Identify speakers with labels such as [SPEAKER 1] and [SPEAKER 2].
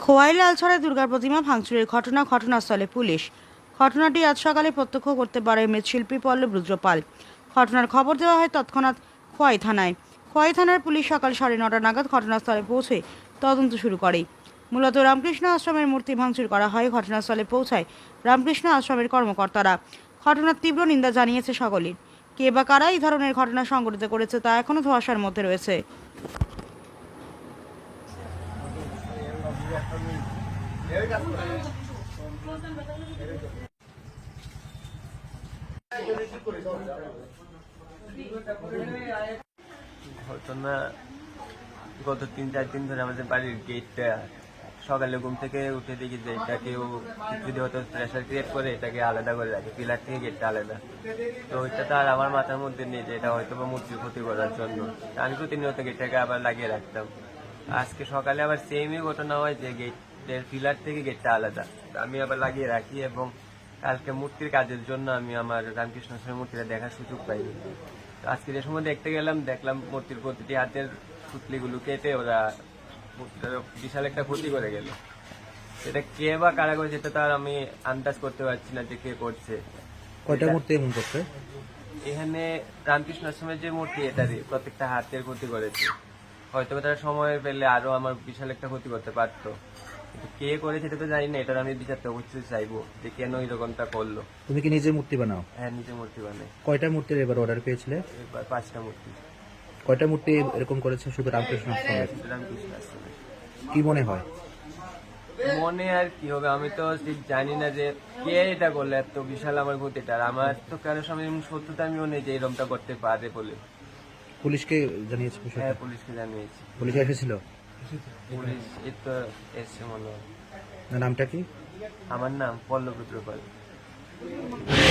[SPEAKER 1] খোয়াই লালছড়ায় দুর্গা প্রতিমা ভাঙচুরের ঘটনাস্থলে পুলিশ। ঘটনাটি আজ সকালে প্রত্যক্ষ করতে পারে মৃৎশিল্পী পল্লব রুদ্রপাল। ঘটনার খবর দেওয়া হয় তৎক্ষণাৎ খোয়াই থানায়। খোয়াই থানার পুলিশ সকাল 9:30 নাগাদ ঘটনাস্থলে পৌঁছে তদন্ত শুরু করে। মূলত রামকৃষ্ণ আশ্রমের মূর্তি ভাঙচুর করা হয়। ঘটনাস্থলে পৌঁছায় রামকৃষ্ণ আশ্রমের কর্মকর্তারা। ঘটনার তীব্র নিন্দা জানিয়েছে সকলেই। কে বা কারা এই ধরনের ঘটনা সংঘটিত করেছে তা এখনো ধোঁয়াশার মধ্যে রয়েছে।
[SPEAKER 2] ঘটনা গত 3-4 দিন ধরে আমাদের বাড়ির গেটটা সকালে ঘুম থেকে উঠে দেখি যে এটা কেউ যদি হয়তো প্রেশার ক্রিয়েট করে এটাকে আলাদা করে রাখে, পিলার থেকে গেটটা আলাদা। তো ওইটা তো আর আমার মাথার মধ্যে নেই যে এটা হয়তো বা মূর্তির ক্ষতি করার জন্য। আমি প্রতিনিয়ত গেটটাকে আবার লাগিয়ে রাখতাম। আজকে সকালে আবার সেমই ঘটনা হয় যে গেটের পিলার থেকে গেটটা আলাদা, আমি আবার লাগিয়ে রাখি। এবং কালকে মূর্তির কাজের জন্য আমি আমার রামকৃষ্ণ আশ্রমের মূর্তিটা দেখার সুযোগ পাইনি। তো আজকে যে সময় দেখতে গেলাম, দেখলাম মূর্তির প্রতিটি হাতের পুতলিগুলো কেটে ওরা বিশাল একটা ক্ষতি করে গেল। এটা কে বা কারা করেছে সেটা তো আর আমি আন্দাজ করতে পারছি না যে কে করছে।
[SPEAKER 3] কয়টা মূর্তি এমন করছে?
[SPEAKER 2] এখানে রামকৃষ্ণ আশ্রমের যে মূর্তি এটারই প্রত্যেকটা হাতের ক্ষতি করেছে। হয়তো তারা সময় পেলে আরো আমার বিশাল একটা ক্ষতি করতে পারতো, কিন্তু কে করেছে সেটা তো জানি না। এটার আমি বিচারতে অবশ্যই চাইবো যে কেন এরকমটা করলো।
[SPEAKER 3] তুমি কি নিজে মূর্তি বানাও?
[SPEAKER 2] হ্যাঁ, নিজে মূর্তি বানাই।
[SPEAKER 3] কয়টা মূর্তির এবার অর্ডার পেয়েছিলে?
[SPEAKER 2] এবার 5টা মূর্তি।
[SPEAKER 3] কয়টা মূর্তি এরকম করেছে শুধু রামকৃষ্ণ আশ্রমের?
[SPEAKER 2] রামকৃষ্ণ আশ্রমে।
[SPEAKER 3] কি মনে হয়?
[SPEAKER 2] মনে আর কি হবে, আমি তো ঠিক জানি না যে কে এটা করলে এত বিশাল আমার ক্ষতিটা। আর আমার তো কারোর সঙ্গে সত্যতা আমিও নেই যে এরকমটা করতে পারে বলে।
[SPEAKER 3] পুলিশকে জানিয়েছে বিষয়টা?
[SPEAKER 2] হ্যাঁ, পুলিশকে জানিয়েছি।
[SPEAKER 3] পুলিশ এসেছিল?
[SPEAKER 2] পুলিশ এই তো এসছে মনে হয়।
[SPEAKER 3] নামটা কি?
[SPEAKER 2] আমার নাম পল্লব রুদ্রপাল।